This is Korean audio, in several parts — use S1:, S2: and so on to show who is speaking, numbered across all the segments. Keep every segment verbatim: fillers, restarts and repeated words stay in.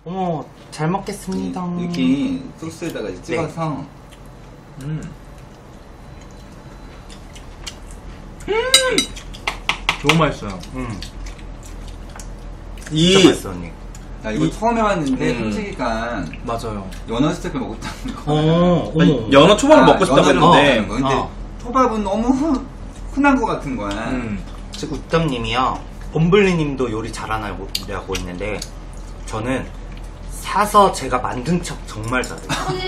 S1: 어머, 잘 먹겠습니다.
S2: 이렇게 소스에다가 이제 찍어서.
S3: 네. 음. 음. 너무 맛있어요.
S1: 음.
S3: 이
S1: 진짜 맛있어, 언니.
S2: 나 이거
S3: 이,
S2: 처음 해봤는데
S3: 음.
S2: 솔직히가
S3: 맞아요.
S2: 연어 스테이크 먹었다는 거.
S1: 어, 어머.
S3: 연어 초밥을
S2: 아,
S3: 먹고 싶다고
S2: 연어를
S3: 했는데.
S2: 먹었다는 거. 근데
S1: 어.
S2: 초밥은 너무 흔, 흔한 거 같은 거야.
S3: 음.
S1: 지금 우땀님이요. 범블리님도 요리 잘하냐고 있는데 저는 사서 제가 만든 척 정말 잘해요.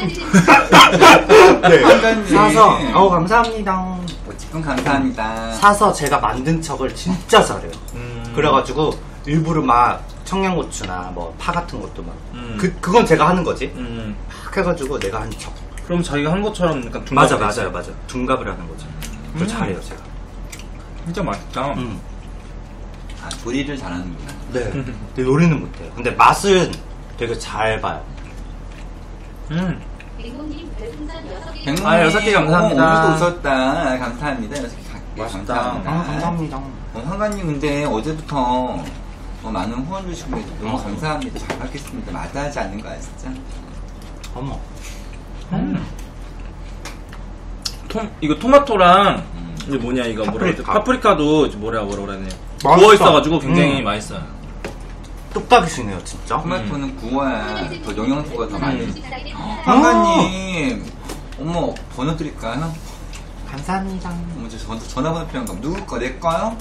S1: 네.
S2: 한가님.
S1: 사서 어 감사합니다.
S2: 어쨌든 감사합니다.
S1: 사서 제가 만든 척을 진짜 잘해요.
S3: 음.
S1: 그래가지고 일부러 막 청양고추나 뭐 파 같은 것도 막
S3: 음.
S1: 그, 그건 제가 하는 거지.
S3: 음.
S1: 막 해가지고 내가 한 척.
S3: 그럼 자기가 한 것처럼 약간 둔갑이
S1: 맞아
S3: 되지.
S1: 맞아요 맞아. 둔갑을 하는 거죠. 그걸
S3: 음.
S1: 잘해요 제가.
S3: 진짜 맛있다.
S1: 음.
S2: 아, 조리를 잘하는구나.
S1: 네. 근데 요리는 못해요. 근데 맛은 되게 잘 봐요.
S3: 음.
S2: 백몽님,
S3: 아, 여섯 개 감사합니다.
S2: 오늘도 웃었다. 감사합니다. 여섯 개 갈게.
S3: 맛있다.
S2: 감사합니다.
S1: 아, 감사합니다.
S2: 어, 황가님 근데 어제부터 어, 많은 후원 주시고 너무
S1: 어.
S2: 감사합니다. 잘 받겠습니다. 마다하지 않는 거야 진짜.
S1: 어머.
S3: 음. 톰, 이거 토마토랑
S2: 음.
S3: 이게 뭐냐 이거 뭐라 그러지?
S1: 파프리카.
S3: 파프리카도 뭐라 뭐라 그러네.
S1: 맛있다.
S3: 구워 있어가지고 굉장히
S1: 음.
S3: 맛있어요.
S1: 뚝딱이시네요 진짜.
S2: 토마토는 구워야 더 영양소가 더 많이.
S3: 음.
S2: 황가님, 어머 번호 드릴까요?
S1: 감사합니다.
S2: 어머 저 전- 전화번호 필요한가? 누구 거? 내 거요?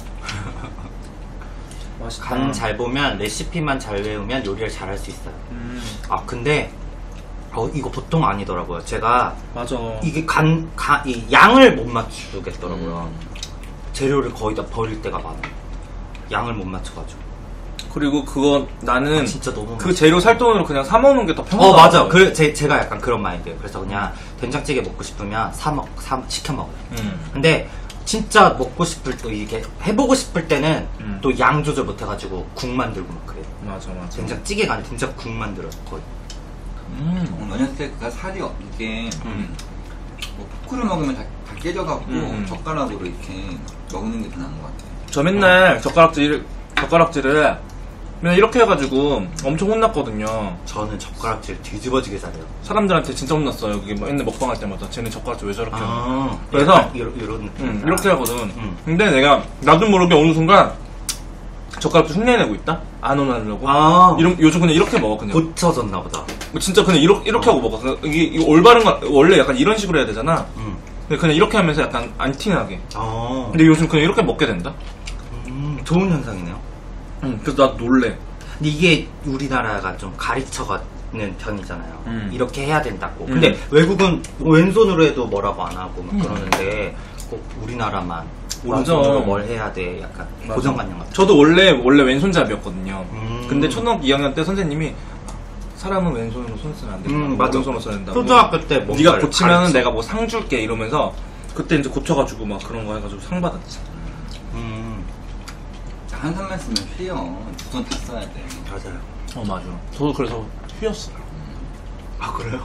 S3: 맛있다.
S1: 간 잘 보면 레시피만 잘 외우면 요리를 잘 할 수 있어요.
S3: 음.
S1: 아 근데 어, 이거 보통 아니더라고요. 제가
S3: 맞아.
S1: 이게 간, 간, 이 양을 못 맞추겠더라고요.
S2: 음.
S1: 재료를 거의 다 버릴 때가 많아요. 양을 못 맞춰가지고.
S3: 그리고 그거 나는
S1: 아, 진짜 너무
S3: 그
S1: 맛있어.
S3: 재료 살 돈으로 그냥 사 먹는 게 더 편하다.
S1: 어 맞아. 그 제, 제가 약간 그런 마인드예요. 그래서 그냥 된장찌개 먹고 싶으면 사 먹, 사 시켜 먹어요.
S3: 음.
S1: 근데 진짜 먹고 싶을 때 이게 해보고 싶을 때는
S3: 음.
S1: 또 양 조절 못 해가지고 국 만들고 막 그래요.
S3: 맞아 맞아.
S1: 된장찌개가 아니라 된장국 만들어요 거의.
S3: 음.
S2: 연어 스테이크가 살이 없- 이게
S1: 음.
S2: 뭐 포크를 먹으면 다, 다 깨져갖고
S3: 음.
S2: 젓가락으로 이렇게 먹는 게 더 나은 것 같아요.
S3: 저 맨날 젓가락질 젓가락질을 맨날 이렇게 해가지고 엄청 혼났거든요.
S1: 저는 젓가락질 뒤집어지게 잘해요.
S3: 사람들한테 진짜 혼났어요. 그게 뭐 맨날 먹방할 때마다 쟤는 젓가락질 왜 저렇게 하냐.
S1: 아,
S3: 그래서
S1: 약간 이런, 이런 느낌.
S3: 음, 이렇게 하거든.
S1: 음.
S3: 근데 내가 나도 모르게 어느 순간 젓가락질 흉내내고 있다? 안 혼나려고.
S1: 아,
S3: 이런, 요즘 그냥 이렇게 먹어 그냥.
S1: 고쳐졌나 보다.
S3: 뭐 진짜 그냥 이렇게, 이렇게
S1: 어.
S3: 하고 먹어. 그냥 이게, 이거 올바른 거 원래 약간 이런 식으로 해야 되잖아.
S1: 음.
S3: 근데 그냥 이렇게 하면서 약간 안 티나게.
S1: 아,
S3: 근데 요즘 그냥 이렇게 먹게 된다.
S1: 음, 좋은 현상이네요.
S3: 음, 그래서 나도 놀래.
S1: 근데 이게 우리나라가 좀 가르쳐가는 편이잖아요.
S3: 음.
S1: 이렇게 해야 된다고.
S3: 음.
S1: 근데 외국은 왼손으로 해도 뭐라고 안 하고 막
S3: 음.
S1: 그러는데 꼭 우리나라만
S3: 맞아.
S1: 오른손으로 뭘 해야 돼. 약간
S3: 맞아.
S1: 고정관념 같은.
S3: 저도 원래 원래 왼손잡이였거든요.
S1: 음.
S3: 근데 초등학교 이 학년 때 선생님이 사람은 왼손으로 손 쓰면 안 된다.
S1: 음, 맞아.
S3: 오른손으로 써야 된다.
S1: 초등학교 때 뭔가를
S3: 네가 고치면
S1: 가르쳐.
S3: 내가 뭐 상 줄게 이러면서 그때 이제 고쳐가지고 막 그런 거 해가지고 상 받았지.
S1: 음,
S2: 한 손만 쓰면 휘어. 두 손 다 써야 돼.
S1: 맞아요.
S3: 어 맞아. 저도 그래서 휘었어요.
S1: 아 그래요?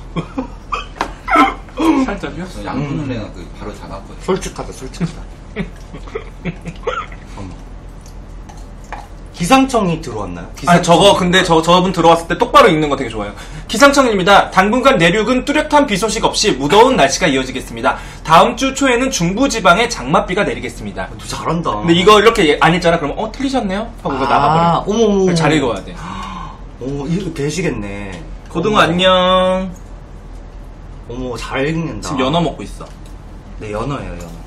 S3: 살짝 휘었어.
S2: 저 양손으로 해갖고 바로 잡았거든.
S1: 솔직하다, 솔직하다. 어머. 기상청이 들어왔나요?
S3: 아니 저거 근데 저 저분 들어왔을 때 똑바로 읽는 거 되게 좋아요. 기상청입니다. 당분간 내륙은 뚜렷한 비 소식 없이 무더운 날씨가 이어지겠습니다. 다음 주 초에는 중부지방에 장맛비가 내리겠습니다.
S1: 너 잘한다.
S3: 근데 이거 이렇게 안 했잖아. 그러면 어 틀리셨네요? 하고 이거 나가버려.
S1: 어머,
S3: 잘 읽어야 돼.
S1: 오, 이거 되시겠네.
S3: 고등어
S1: 어머.
S3: 안녕.
S1: 어머, 잘 읽는다.
S3: 지금 연어 먹고 있어.
S1: 네, 연어예요, 연어.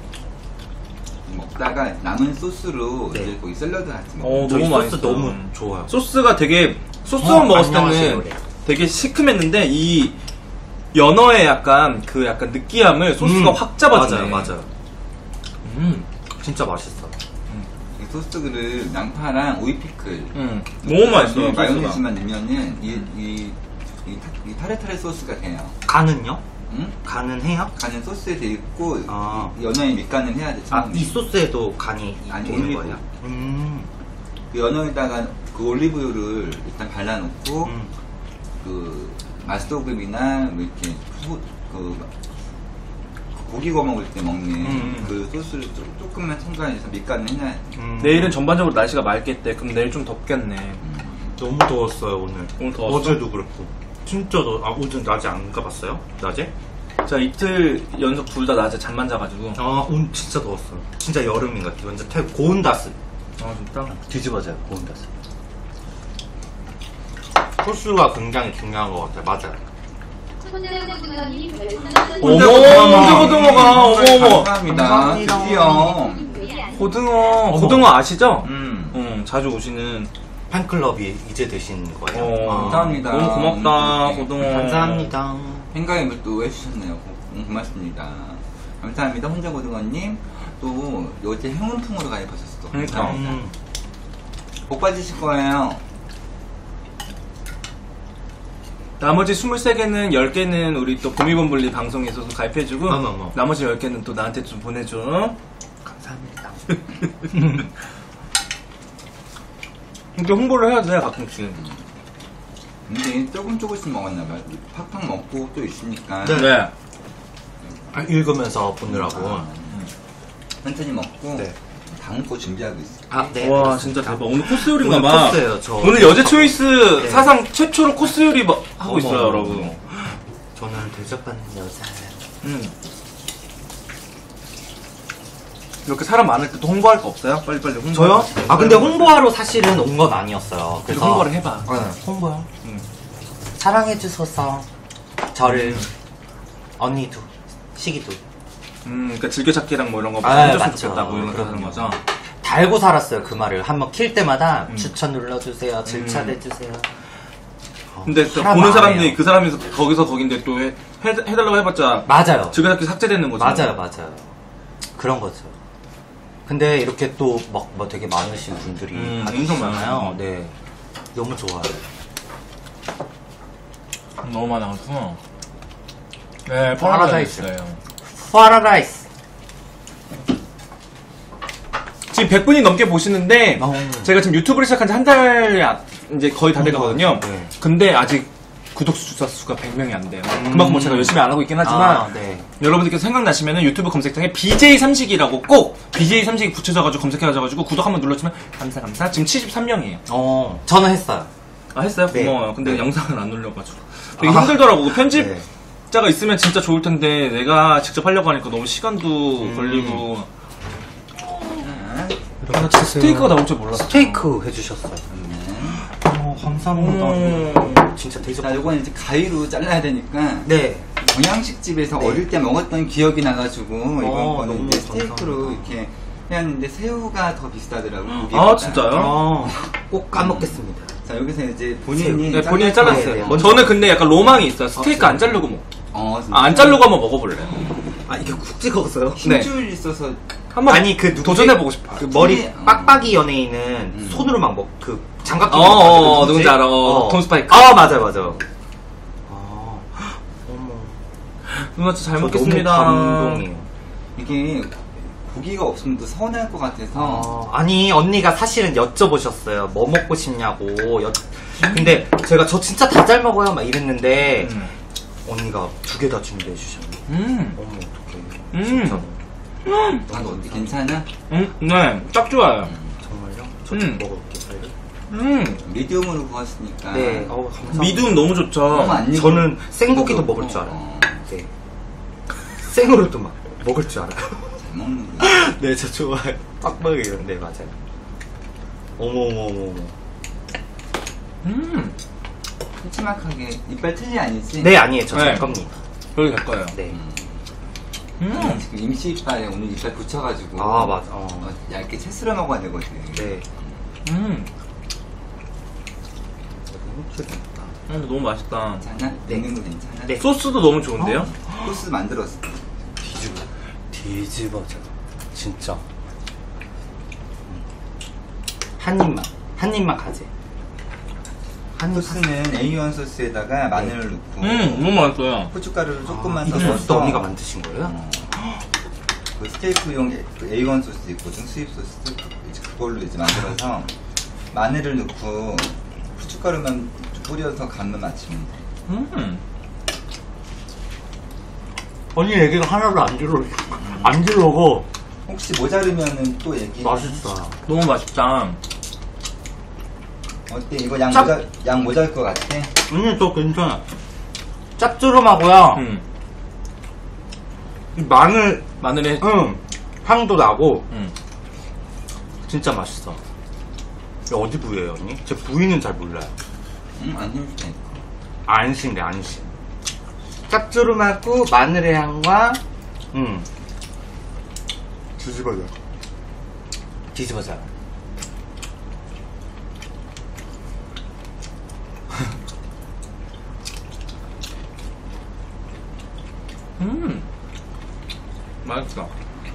S2: 먹다가 남은 소스로
S1: 네.
S2: 이제 거기 샐러드 같은 거.
S3: 어,
S1: 저희
S3: 너무
S1: 소스
S3: 맛있어.
S1: 너무 좋아요.
S3: 소스가 되게 소스만
S1: 어,
S3: 먹었을
S1: 안녕하세요,
S3: 때는
S1: 그래.
S3: 되게 시큼했는데 이 연어의 약간 그 약간 느끼함을 소스가
S1: 음,
S3: 확 잡아주네.
S1: 맞아요, 맞아요.
S3: 음,
S1: 진짜 맛있어.
S2: 이 소스를 양파랑 오이 피클.
S3: 음, 너무 맛있어.
S2: 네,
S3: 소스가.
S2: 마요네즈만 넣으면은 이, 이, 이, 타- 이 타레타레 소스가 돼요.
S1: 간은요?
S2: 응?
S1: 간은 해요?
S2: 간은 소스에 돼 있고
S1: 아.
S2: 이 연어에 밑간을 해야 돼.
S1: 아,
S2: 처음에.
S1: 이 소스에도 간이
S2: 아니,
S1: 되는
S2: 올리브.
S1: 거예요? 음,
S2: 그 연어에다가 그 올리브유를 일단 발라놓고
S1: 음.
S2: 그 마스터그이나 뭐 이렇게 소, 그, 그 고기 구워 먹을 때 먹는
S1: 음.
S2: 그 소스를 조, 조금만 첨가해서 밑간을 해놔야 돼.
S1: 음.
S3: 내일은 전반적으로 날씨가 맑겠대. 그럼 내일 좀 덥겠네.
S1: 너무 더웠어요 오늘.
S3: 오늘 더웠어?
S1: 어제도 그렇고. 진짜 더. 아 오늘 낮에 안 가봤어요? 낮에?
S3: 자 이틀 연속 둘 다 낮에 잠만 자가지고.
S1: 아 오늘 진짜 더웠어요. 진짜 여름인 것 같아요. 완전 태 고온다스.
S3: 아 진짜?
S1: 뒤집어져요 고온다스. 소스가 굉장히 중요한 것 같아요. 맞아요.
S3: 어머
S1: 혼자 고등어가.
S3: 혼자 고등어가 어머 어머.
S2: 감사합니다.
S1: 감사합니다.
S2: 드디어.
S3: 고등어 고등어 아시죠?
S2: 음.
S3: 응 자주 오시는.
S1: 팬클럽이 이제 되신 거예요.
S3: 어,
S1: 아,
S2: 감사합니다.
S3: 너무 고맙다
S2: 네.
S3: 고등어.
S1: 감사합니다.
S2: 행가임을 또 해주셨네요. 고, 음, 고맙습니다. 감사합니다. 혼자 고등어님. 또 요새 행운풍으로 가입하셨어.
S3: 그러니까.
S2: 감사합니다.
S1: 음.
S2: 복 받으실 거예요.
S3: 나머지 스물세 개는 열 개는 우리 또 보미범블리 방송에서도 가입해주고
S1: 어머, 어머.
S3: 나머지 열 개는 또 나한테 좀 보내줘.
S1: 감사합니다.
S3: 이렇게 홍보를 해야 돼 가끔씩.
S2: 근데 조금 조금씩 먹었나봐요. 팍팍 먹고 또 있으니까.
S1: 네.
S3: 네.
S1: 아, 읽으면서 보느라고.
S2: 아, 천천히 먹고
S1: 네.
S2: 다음 거 준비하고 있어요.
S1: 아, 네.
S3: 와
S1: 알겠습니다.
S3: 진짜 대박. 오늘 코스 요리인가
S1: 오늘
S3: 봐.
S1: 코스예요, 저.
S3: 오늘 여제 초이스
S1: 네.
S3: 사상 최초로 코스 요리 뭐- 하고
S1: 어머,
S3: 있어요
S1: 어머,
S3: 여러분.
S1: 어머. 저는 대접받는 여자.
S3: 음. 이렇게 사람 많을 때 또 홍보할 거 없어요? 빨리빨리 홍보.
S1: 저요? 아 근데 홍보하러 사실은 온 건 아니었어요. 그래서
S3: 홍보를 해봐.
S1: 네, 홍보요.
S3: 음.
S1: 사랑해 주셔서 저를 언니도 시기도
S3: 음, 그러니까 즐겨찾기랑 뭐 이런 거
S1: 아,
S3: 해줬으면
S1: 맞죠.
S3: 좋겠다고 이런 거 하는
S1: 그럼요.
S3: 거죠.
S1: 달고 살았어요 그 말을. 한번 킬 때마다
S3: 음.
S1: 추천 눌러주세요, 질차해 주세요. 어,
S3: 근데 또
S1: 사람
S3: 보는
S1: 안
S3: 사람들이
S1: 해요.
S3: 그 사람이 거기서 거긴데 또 해, 해, 해달라고 해봤자
S1: 맞아요.
S3: 즐겨찾기 삭제되는 거죠.
S1: 맞아요, 맞아요. 그런 거죠. 근데 이렇게 또 막 뭐 되게 많으신 분들이
S3: 음,
S1: 봐주시잖아요.
S3: 엄청 많아요.
S1: 네, 너무 좋아요.
S3: 너무 많아서. 네,
S1: 파라다이스.
S3: 있어요.
S1: 파라다이스.
S3: 지금 백 분이 넘게 보시는데
S1: 어.
S3: 제가 지금 유튜브를 시작한 지 한 달이 아- 이제 거의 다 돼가거든요.
S1: 네.
S3: 근데 아직 구독자 수가 백 명이 안 돼요. 그만큼 뭐 제가 열심히 안 하고 있긴 하지만
S1: 아, 네.
S3: 여러분들께서 생각나시면 유튜브 검색창에 비제이 삼식이라고 꼭 비제이 삼식이 붙여져가지고 검색해가지고 구독 한번 눌러주면 감사 감사. 지금 칠십삼 명이에요.
S1: 어, 저는 했어요.
S3: 아 했어요?
S1: 네.
S3: 고마워요. 근데
S1: 네.
S3: 영상을 안 올려가지고 되게
S1: 아.
S3: 힘들더라고. 그 편집자가
S1: 네.
S3: 있으면 진짜 좋을 텐데 내가 직접 하려고 하니까 너무 시간도
S1: 음.
S3: 걸리고.
S1: 이런
S3: 나 스테이크가 나올 줄 몰랐어.
S1: 스테이크 해주셨어요. 어, 감사합니다.
S3: 음.
S1: 진짜 대접.
S2: 자, 요건 이제 가위로 잘라야 되니까.
S1: 네.
S2: 경양식 집에서
S1: 네.
S2: 어릴 때 먹었던 기억이 나가지고 이번
S1: 어,
S2: 거는
S1: 너무
S2: 이제 스테이크로
S1: 감사합니다.
S2: 이렇게 해왔는데 새우가 더 비싸더라고요.
S3: 아
S2: 고기보다.
S3: 진짜요?
S1: 어, 꼭 까먹겠습니다.
S2: 자 여기서 이제 본인이
S3: 네, 본인이 잘랐어요.
S1: 네, 네.
S3: 저는 근데 약간 로망이 있어요. 스테이크
S1: 아,
S3: 안 자르고 먹.
S2: 어, 진짜.
S3: 아, 안 자르고 한번 먹어볼래요.
S1: 아, 이게 쿡 찍었어요?
S2: 힘줄 있어서
S3: 한번
S1: 아니, 그 누구지?
S3: 도전해보고 싶어.
S1: 그 머리
S2: 손이-
S1: 빡빡이 연예인은
S2: 음.
S1: 손으로 막 먹, 그 장갑 끼고
S3: 어, 어,
S1: 먹거든요.
S3: 어, 누군지 알아. 어, 톰 스파이크.
S1: 아, 맞아요, 맞아요. 아, 어머.
S3: 누나 진짜 잘
S1: 저
S3: 먹겠습니다.
S1: 너무 감동이에요.
S2: 이게 고기가 없으면 또 서운할 것 같아서
S1: 어, 아니 언니가 사실은 여쭤보셨어요. 뭐 먹고 싶냐고. 여... 근데 제가 저 진짜 다 잘 먹어요 막 이랬는데
S3: 음.
S1: 언니가 두 개 다 준비해 주셨네.
S3: 음.
S1: 어머 어떡해.
S3: 음.
S1: 진짜
S2: 난 어디 괜찮아?
S3: 음, 네, 딱 좋아요.
S1: 정말요? 저
S3: 음.
S1: 좀 먹어볼게요 빨리.
S3: 음.
S2: 미디움으로 구웠으니까
S1: 네. 어, 감사합니다.
S3: 미디움 너무 좋죠.
S2: 너무 안 익은
S1: 저는 생고기도
S2: 것도
S1: 먹을 줄
S2: 없고.
S1: 알아요.
S2: 어,
S1: 네. 생으로도 막 먹을 줄 알아요.
S2: 잘 먹는구나.
S1: 네, 저 좋아요. 빡빡이 이런데 맞아요. 어머 어머 어머 어머.
S3: 음.
S2: 큼지막하게 이빨 틀리 아니지?
S1: 네 아니에요. 저 제
S3: 네.
S1: 겁니다.
S3: 그렇게 될 거예요.
S1: 네.
S2: 음.
S3: 음.
S2: 지금 임시 이빨에 오늘 이빨 붙여가지고
S1: 아 맞아. 어.
S2: 어, 얇게 채 쓸어 먹어야 되거든.
S1: 네.
S3: 음.
S1: 너무 맛있다.
S3: 음, 너무 맛있다.
S2: 괜찮아?
S1: 네.
S2: 먹는 거 괜찮아?
S1: 네.
S3: 소스도 너무 좋은데요?
S2: 소스 만들었어.
S1: 뒤집어. 뒤집어져. 진짜. 음. 한 입만. 한 입만 가지. 한 입.
S2: 소스는 에이원 소스에다가 마늘을 넣고
S3: 음, 너무 맛있어요.
S2: 고춧가루를 조금만
S1: 아, 이
S2: 더
S1: 소스도
S2: 넣어서
S1: 언니가 만드신 거예요?
S2: 어, 그 스테이크용 에이원 소스 있거든, 수입 소스. 이제 그걸로 이제 만들어서 마늘을 넣고 후춧가루만 뿌려서 간만 맞추면 돼.
S3: 음.
S1: 언니 얘기가 하나도 안 들어. 안 들어오고.
S2: 혹시 모자르면은 또 얘기.
S1: 맛있다.
S3: 너무 맛있다.
S2: 어때? 이거 양
S1: 짭-
S2: 모자 양 모자랄 것 같아?
S1: 음, 또 괜찮아. 짭조름하고요.
S3: 음.
S1: 이 마늘,
S3: 마늘에
S1: 응, 향도 나고,
S3: 음.
S1: 진짜 맛있어. 이거 어디 부위예요, 언니? 제 부위는 잘 몰라요.
S2: 응, 안 힘들다니까.
S1: 안심돼, 안심. 짭조름하고 마늘의 향과, 음. 뒤집어져. 뒤집어져.
S3: 음. 맛있어.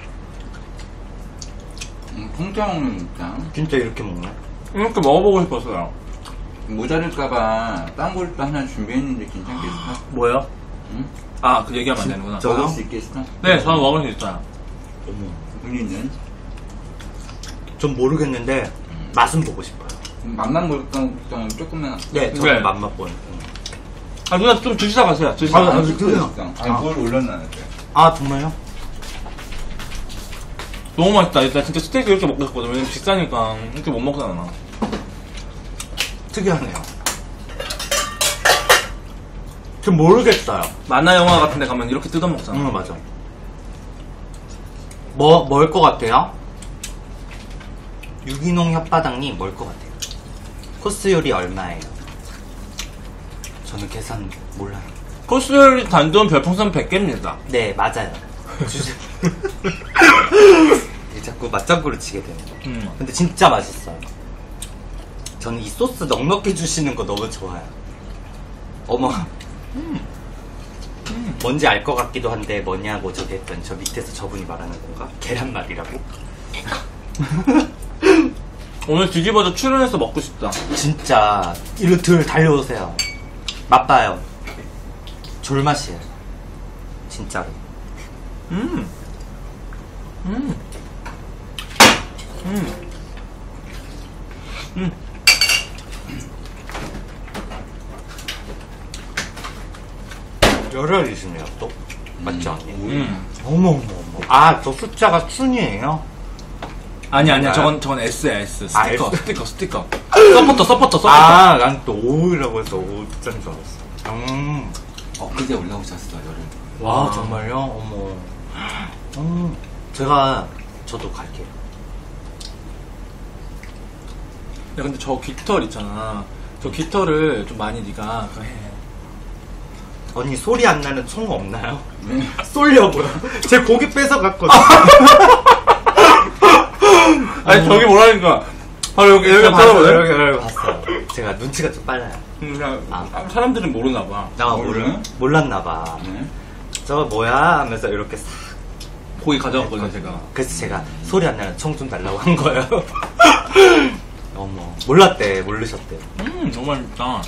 S2: 음, 통짜 먹는 진짜.
S1: 진짜 이렇게 먹네.
S3: 이렇게 먹어보고 싶었어요.
S2: 모자랄까봐 딴 걸 또 하나 준비했는데 괜찮겠어?
S3: 뭐요?
S2: 응?
S3: 아, 그 얘기하면 안 되는구나.
S1: 저요?
S2: 먹을 수 있겠어?
S3: 네, 저는 먹을 수 있어요.
S1: 어머.
S2: 본인은?
S1: 전 모르겠는데, 맛은 보고 싶어요.
S2: 맛만 볼 거면 조금만.
S1: 네, 저는
S3: 네.
S1: 맛만 보는.
S3: 아, 누나 좀 드시다 가세요. 드시다
S1: 아,
S3: 가세요.
S1: 아, 그래요?
S2: 아니,
S1: 아.
S2: 뭘 올려놔야 돼?
S1: 아, 정말요?
S3: 너무 맛있다. 나 진짜 스테이크 이렇게 먹고 싶거든. 왜냐면 비싸니까 이렇게 못 먹잖아.
S1: 특이하네요. 전 모르겠어요.
S3: 만화 영화 같은 데 가면 이렇게 뜯어 먹잖아.
S1: 응, 맞아. 뭐, 뭘 것 같아요? 유기농 혓바닥님 뭘 것 같아요? 코스 요리 얼마예요? 저는 계산 몰라요.
S3: 코스 요리 단돈 별풍선 백 개입니다.
S1: 네, 맞아요. 주제. 자꾸 맞장구를 치게 되네요.
S3: 음.
S1: 근데 진짜 맛있어요. 저는 이 소스 넉넉히 주시는 거 너무 좋아요. 어머. 뭔지 알 것 같기도 한데 뭐냐고 저기 했더니 저 밑에서 저분이 말하는 건가? 계란말이라고?
S3: 오늘 뒤집어져 출연해서 먹고 싶다.
S1: 진짜 이리 들 달려오세요. 맛봐요. 졸맛이에요. 진짜로.
S3: 음. 음. 음. 음.
S1: 열혈이시네요 또. 맞죠 언니?
S3: 음.
S1: 어머 어머 어머. 아, 저 숫자가 순이에요?
S3: 아니 아니야.
S1: 뭔가요?
S3: 저건 저건 S야 S. 스티커
S1: 아, S.
S3: 스티커 스티커. 서포터 서포터 서포터.
S1: 아, 난 또 오이라고 해서 오자인 줄 알았어. 음.
S2: 어, 그제 올라오셨어, 열흘.
S1: 와, 정말요? 어머. 음. 제가 저도 갈게요.
S3: 야 근데 저 깃털 있잖아. 저 깃털을 좀 많이 네가 그거 해.
S1: 언니 소리 안 나는 총 없나요?
S2: 네.
S1: 쏠려고요. 제 고기 뺏어 갔거든.
S3: 아니 저기 뭐라니까. 바로 여기 여기
S1: 봤어요.
S3: 쳐다보네.
S1: 여기 여기 봤어요. 제가 눈치가 좀 빨라요.
S3: 그냥
S1: 아.
S3: 사람들은 모르나 봐.
S1: 나
S2: 몰라요?
S1: 몰라 몰랐나 봐.
S2: 네.
S1: 저 뭐야 하면서 이렇게 싹.
S3: 고기 가져왔거든요 제가.
S1: 그래서 제가 소리 안 나는 총 좀 달라고 한 거예요. 어머 몰랐대 모르셨대.
S3: 음 너무 맛있다.
S1: 아,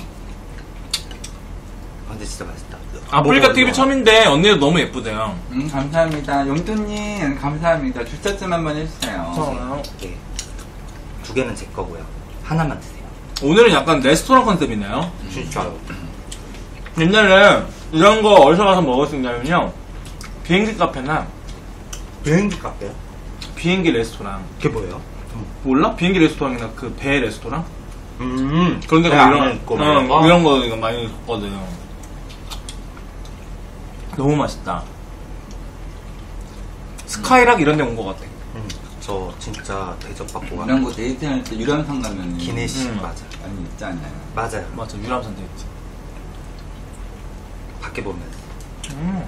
S1: 근데 진짜 맛있다.
S3: 아프리카
S1: 먹어,
S3: 티비
S1: 먹어.
S3: 처음인데 언니도 너무 예쁘대요.
S2: 음, 감사합니다. 용돈님, 감사합니다. 주차좀 한번 해주세요.
S1: 네. 두 개는 제 거고요. 하나만 드세요.
S3: 오늘은 약간 레스토랑 컨셉이네요.
S1: 진짜요.
S3: 옛날에 이런 거 어디서 가서 먹을 수 있냐면요. 비행기 카페나
S1: 비행기 카페요?
S3: 비행기 레스토랑.
S1: 그게 뭐예요?
S3: 몰라? 비행기 레스토랑이나 그 배 레스토랑?
S1: 음.
S3: 그런 데가
S1: 배 안에
S3: 이런,
S1: 있고
S3: 어,
S1: 뭐 이런 거?
S3: 이런 거 이거 많이 있거든요. 너무 맛있다. 스카이락 이런 데 온 것 같아.
S1: 음, 저 진짜 대접받고 가.
S2: 이런 거 데이트할 때 유람선 가면
S1: 기내식
S3: 음.
S1: 맞아.
S2: 많이 있지 않나요?
S1: 맞아요.
S3: 맞아, 유람선 돼 있지.
S1: 밖에 보면.
S3: 음.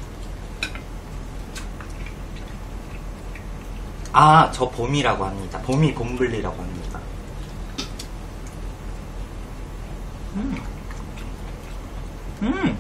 S1: 아, 저 봄이라고 합니다. 봄이 봄블리라고 합니다.
S3: 음. 음.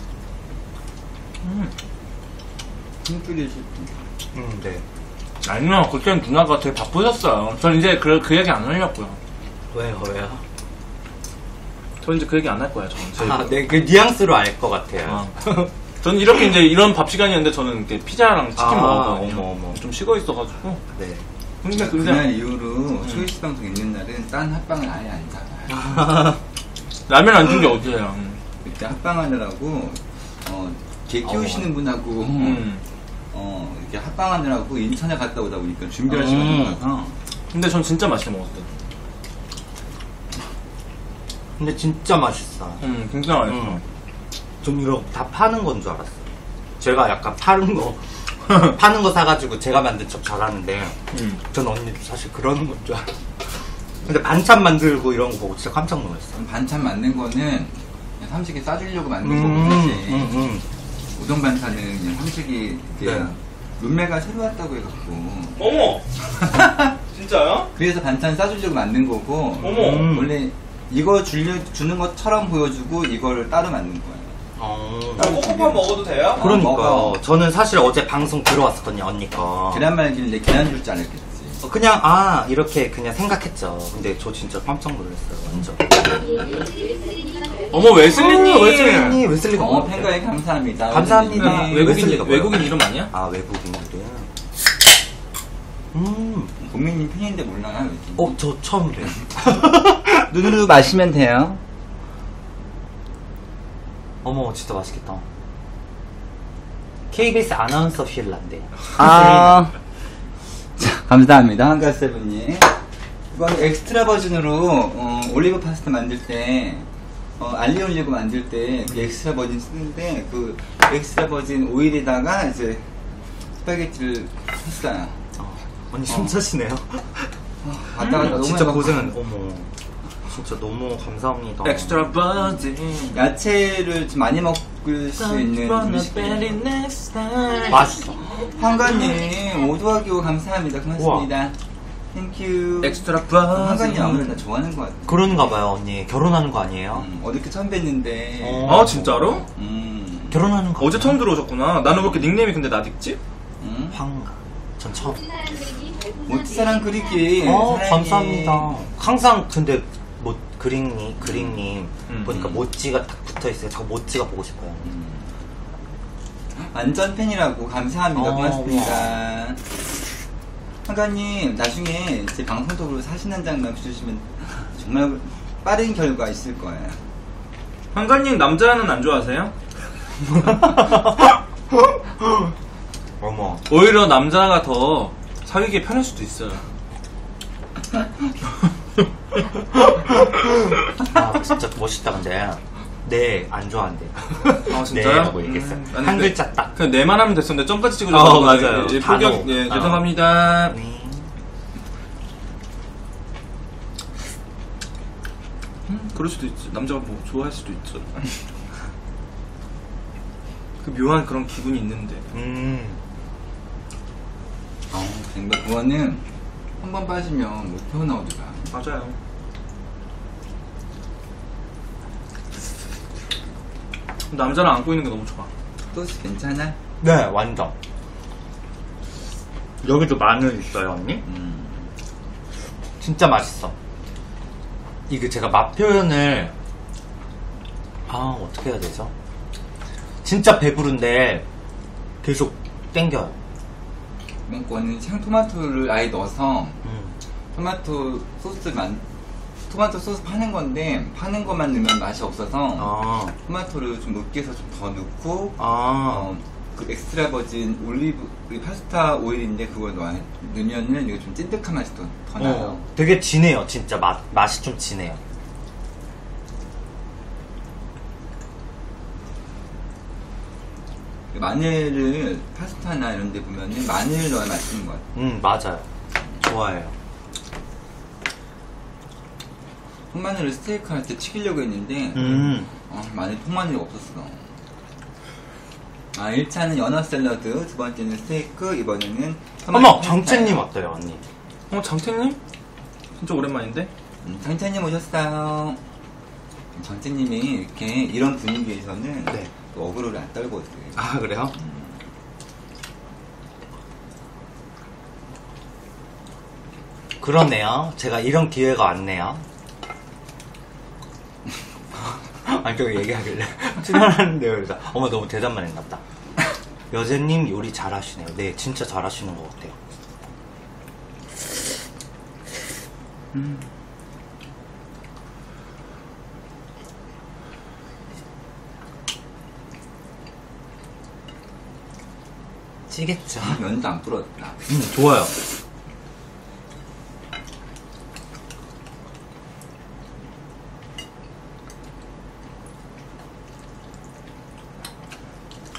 S3: 음.
S2: 힘줄이 싶
S1: 음, 네.
S3: 아니요, 그때는 누나가 되게 바쁘셨어요. 전 이제 그, 그 얘기 안 하려고요.
S1: 왜요, 왜요?
S3: 전 이제 그 얘기 안 할 거예요, 저는.
S1: 아, 네, 그 뉘앙스로 알 것 같아요.
S3: 어. 저는 이렇게 이제 이런 밥 시간이었는데 저는 이렇게 피자랑 치킨
S1: 아,
S3: 먹었거든요.
S1: 어머, 어머.
S3: 좀 식어 있어가지고.
S1: 네.
S3: 근데
S2: 그날
S3: 근데
S2: 이후로 초이스 방송 있는 날은 딴 합방을 아예 안 잡아요.
S3: 라면 안 준 게 어디예요?
S2: 그때 합방하느라고 어, 개 키우시는 분하고
S3: 음.
S2: 어, 이렇게 합방하느라고 인천에 갔다 오다 보니까 준비할
S1: 음.
S2: 시간이 없어서
S3: 근데 전 진짜 맛있게 먹었어요.
S1: 근데 진짜 맛있어.
S3: 음, 진짜 맛있어.
S1: 음. 좀 이런 다 파는 건 줄 알았어요. 제가 약간 파는 거 파는 거 사가지고 제가 만든 척 잘하는데
S3: 음.
S1: 전 언니도 사실 그러는 건 줄 알았어요. 근데 반찬 만들고 이런 거 보고 진짜 깜짝 놀랐어요.
S2: 반찬 만든 거는 그냥 삼식이 싸주려고 만든
S1: 음,
S2: 거고 사실
S1: 음, 음.
S2: 우동 반찬은 그냥 삼식이
S1: 네.
S2: 룸메가 새로 왔다고 해갖고
S3: 어머! 진짜요?
S2: 그래서 반찬 싸주려고 만든 거고
S3: 어머!
S1: 음.
S2: 원래 이거 줄려, 주는 것처럼 보여주고 이걸 따로 만든 거예요.
S1: 어.
S3: 꼬꼬밥 먹어도 돼요?
S1: 그러니까요.
S2: 먹어.
S1: 저는 사실 어제 방송 들어왔었거든요, 언니 거.
S2: 계란 말길래 계란 줄 줄 알았겠지.
S1: 어, 그냥 아 이렇게 그냥 생각했죠. 근데 저 진짜 깜짝 놀랐어요, 완전.
S3: 어머, 웨슬리님!
S1: 어, 웨슬리님, 웨슬리가
S2: 어,
S1: 뭐
S2: 팬가에 감사합니다.
S1: 감사합니다.
S2: 웨슬리님.
S3: 외국인,
S1: 웨슬리가 뭐야?
S3: 외국인 이름 아니야?
S1: 아 외국인들이야. 음,
S2: 국민님 팬인데 몰라요?
S1: 어 저 처음 봬요.
S2: 눈으로 마시면 돼요.
S1: 어머 진짜 맛있겠다. 케이비에스 아나운서 필란데.
S2: 아, 자, 감사합니다. 한가세븐님. 이건 엑스트라 버전으로 어, 올리브 파스타 만들 때 어, 알리 올리브 만들 때 그 엑스트라 버전 쓰는데 그 엑스트라 버전 오일에다가 이제 스파게티를 했어요.
S1: 어, 언니 숨차시네요.
S2: 갔다 갔다 너무
S1: 진짜
S2: 해갖고
S1: 고생은 어머. 진짜 너무 감사합니다.
S3: 엑스트라 버지.
S2: 야채를 좀 많이 먹을 수 있는 음식이에요.
S1: 맛있어.
S2: 황가님 오 더하기 오 감사합니다. 고맙습니다. 땡큐.
S3: 엑스트라
S2: 황가님
S3: 버지.
S2: 아무래도 나 좋아하는 것 같아.
S1: 그런가 봐요, 언니. 결혼하는 거 아니에요?
S2: 음, 어저께 처음 뵀는데
S1: 어.
S3: 아, 진짜로?
S2: 음,
S1: 결혼하는 거.
S3: 어제 처음 들어오셨구나. 나는 왜 이렇게 닉네임이 근데 나딕지?
S2: 음.
S1: 황가. 전 처음.
S2: 모티사랑 그리기
S1: 어,
S2: 사랑해.
S1: 감사합니다. 항상 근데 뭐 그릭님, 그릭님
S3: 음,
S1: 보니까
S3: 음.
S1: 모찌가 딱 붙어 있어요. 저 모찌가 보고 싶어요.
S2: 음. 완전 팬이라고 감사합니다.
S1: 어,
S2: 고맙습니다. 황가님 나중에 제 방송적으로 사진 한 장만 주시면 정말 빠른 결과 있을 거예요.
S3: 한가님 남자는 안 좋아하세요?
S1: 어머.
S3: 오히려 남자가 더 사귀기 편할 수도 있어요.
S1: 아, 진짜 멋있다, 근데. 네, 안 좋아한대.
S3: 아, 진짜요?
S1: 네, 라고 얘기했어요.
S3: 음, 아니,
S1: 한
S3: 근데
S1: 글자 딱.
S3: 그냥 내만 하면 됐었는데 점까지 찍으려고
S1: 어,
S3: 하는
S1: 맞아요.
S3: 거지. 예,
S1: 단어.
S3: 포격, 예,
S1: 어.
S3: 죄송합니다.
S1: 네.
S3: 음, 그럴 수도 있지. 남자가 뭐 좋아할 수도 있죠. 그 묘한 그런 기분이 있는데.
S1: 음.
S2: 어, 정말 그거는 한 번 빠지면 못 태어나오더라.
S3: 맞아요. 남자를 안고 있는 게 너무 좋아.
S2: 소스 괜찮아?
S1: 네, 완전. 여기도 마늘 있어요, 언니?
S2: 음.
S1: 진짜 맛있어. 이게 제가 맛 표현을 아 어떻게 해야 되죠? 진짜 배부른데 계속 땡겨요.
S2: 이번 거는 생토마토를 아예 넣어서
S1: 음.
S2: 토마토 소스를 만 토마토 소스 파는 건데 파는 것만 넣으면 맛이 없어서
S1: 아,
S2: 토마토를 좀 으깨서 좀 더 넣고
S1: 아,
S2: 어, 그 엑스트라 버진 올리브 그 파스타 오일인데 그걸 넣어 넣으면은 이거 좀 찐득한 맛이 더, 더 나요.
S1: 어, 되게 진해요, 진짜 맛 맛이 좀 진해요.
S2: 마늘을 파스타나 이런 데 보면은 마늘을 넣어야 맛있는 것 같아요.
S1: 음, 맞아요. 좋아해요.
S2: 통마늘을 스테이크 할 때 튀기려고 했는데
S1: 음,
S2: 아, 마늘 통마늘이 없었어. 아, 일 차는 연어 샐러드, 두 번째는 스테이크, 이번에는 토마토
S1: 어머,
S2: 파스타예요.
S1: 정채님 어때요, 언니?
S3: 어, 장태님? 진짜 오랜만인데?
S2: 음, 정채님 오셨어요. 정채님이 이렇게 이런 분위기에서는
S1: 네.
S2: 또 어그로를 안 떨거든.
S1: 아, 그래요? 그러네요. 제가 이런 기회가 왔네요. 아니, 저기 얘기하길래. 출연하는데요. 그래서, 어머, 너무 대답만 했나 보다. 여제님 요리 잘하시네요. 네, 진짜 잘하시는 것 같아요. 음. 찌겠죠?
S2: 면도 안 불었다.
S1: 음, 좋아요.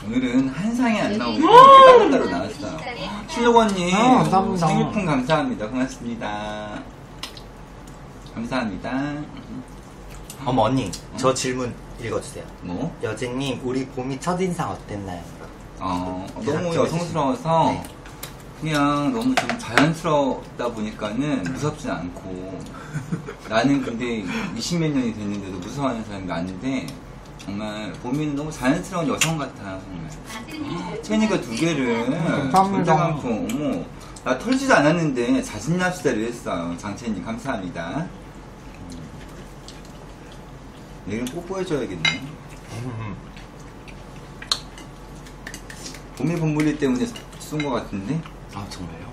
S2: 오늘은 한 상이 안 나오고 이렇게 따로따로 나왔어요. 신록원님
S1: 아, 감사합니다.
S2: 생일풍 감사합니다. 고맙습니다. 감사합니다.
S1: 어머 언니 저 질문 읽어주세요.
S2: 뭐?
S1: 여진님 우리 봄이 첫인상 어땠나요?
S2: 어, 너무
S1: 대답
S2: 여성스러워서
S1: 네.
S2: 그냥 너무 좀 자연스럽다 보니까는 무섭진 않고 나는 근데 이십몇 년이 됐는데도 무서워하는 사람이 많은데 정말 봄이는 너무 자연스러운 여성 같아 정말. 체니가 두 개를
S1: 감사합니다.
S2: 많고 어머 나 털지도 않았는데 자신납시다를 했어요. 장채님 감사합니다. 음. 내일은 뽀뽀해줘야겠네.
S1: 음.
S2: 봄이 봄물리 때문에 쏜 것 같은데?
S1: 아 정말요?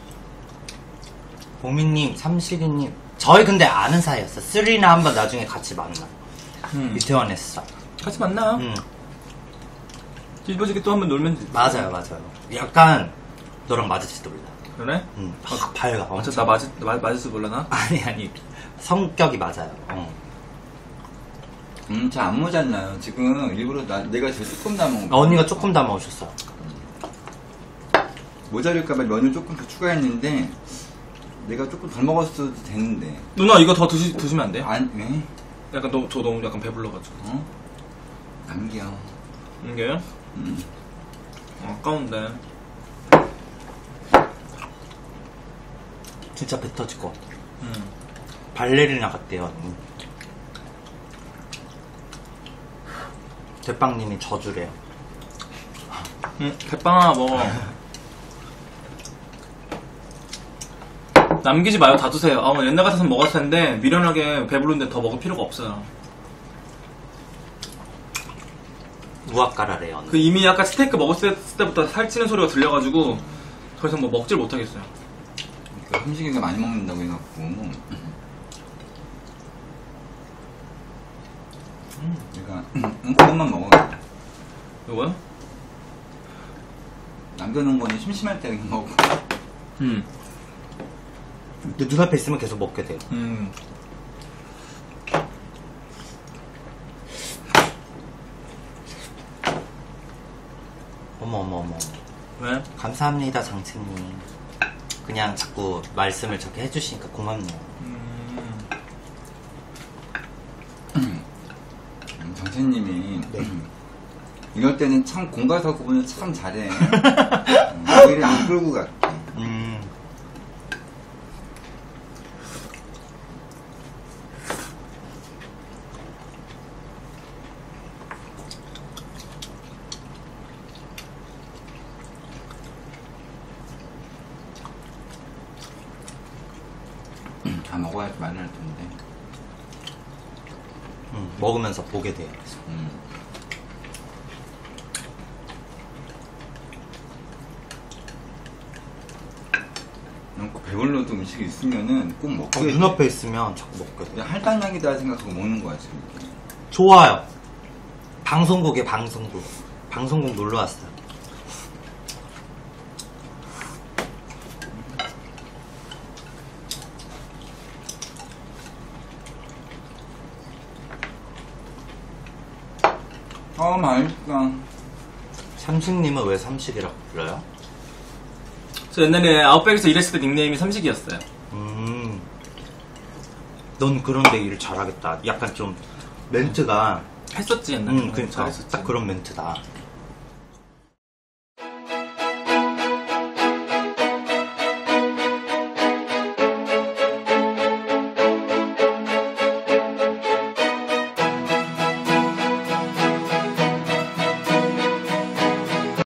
S1: 보미님, 삼식이님 저희 근데 아는 사이였어. 쓰리나 한번 나중에 같이 만나.
S3: 음.
S1: 이태원에서.
S3: 같이 만나요.
S1: 음.
S3: 뒤집어지게 또 한번 놀면 되지.
S1: 맞아요, 맞아요. 약간 너랑 맞을지도 몰라.
S3: 그래?
S1: 음, 확 밝아.
S3: 어차
S1: 엄청.
S3: 나 맞을, 마- 맞을지 몰라나?
S1: 아니 아니. 성격이 맞아요. 어.
S2: 음, 잘 안 모자라요. 지금 일부러 나, 내가 제일 조금 남은 거.
S1: 언니가 조금 담아오셨어요.
S2: 모자랄까봐 면을 조금 더 추가했는데, 내가 조금 덜 먹었어도 되는데.
S3: 누나 이거 더 드시, 드시면 안 돼?
S2: 안, 왜?
S3: 약간 너, 저 너무 약간 배불러가지고.
S2: 어? 남겨.
S3: 이게?
S2: 음.
S3: 아까운데.
S1: 진짜 배 터질 것 같아.
S3: 음.
S1: 발레리나 같대요, 언니. 대빵님이 저주래요.
S3: 응, 대빵아 먹어. 남기지 마요, 다 드세요. 아, 옛날 같았으면 먹었을 텐데 미련하게 배부른데 더 먹을 필요가 없어요.
S1: 무화과라래요, 언니.
S3: 그 이미 아까 스테이크 먹었을 때부터 살찌는 소리가 들려가지고 더 이상 뭐 먹질 못하겠어요.
S2: 그 삼식이가 많이 먹는다고 해갖고. 내가, 응, 그것만 먹어.
S3: 이거요?
S2: 남겨놓은 거는 심심할 때 그냥 먹고.
S3: 음.
S1: 근데 눈앞에 있으면 계속 먹게 돼요.
S3: 음.
S1: 어머, 어머, 어머.
S3: 왜?
S1: 감사합니다, 장채님. 그냥 자꾸 말씀을 저렇게 해주시니까 고맙네요.
S3: 음.
S2: 음, 정채님이
S1: 네.
S2: 이럴 때는 참 공과사 구분을 참 잘해. 음, 얘를 안 끌고 갈게.
S1: 음.
S2: 다 먹어야지 말을 할 텐데.
S1: 음, 먹으면서 보게 돼요.
S2: 음. 그냥 꼭 배불러도 음식이 있으면은 꼭 먹게
S1: 어,
S2: 돼.
S1: 눈앞에 있으면 자꾸 먹게 돼요.
S2: 그냥 할당량이다 생각하고 먹는 거야 지금.
S1: 좋아요. 방송국에 방송국. 방송국 놀러 왔어요.
S2: 아 맛있다.
S1: 삼식님은 왜 삼식이라고 불러요?
S3: 저 옛날에 아웃백에서 일했을 때 닉네임이 삼식이었어요.
S1: 음. 넌 그런데 일 잘하겠다. 약간 좀 멘트가
S3: 했었지 옛날에.
S1: 음, 그러니까
S3: 잘했었지.
S1: 딱 그런 멘트다.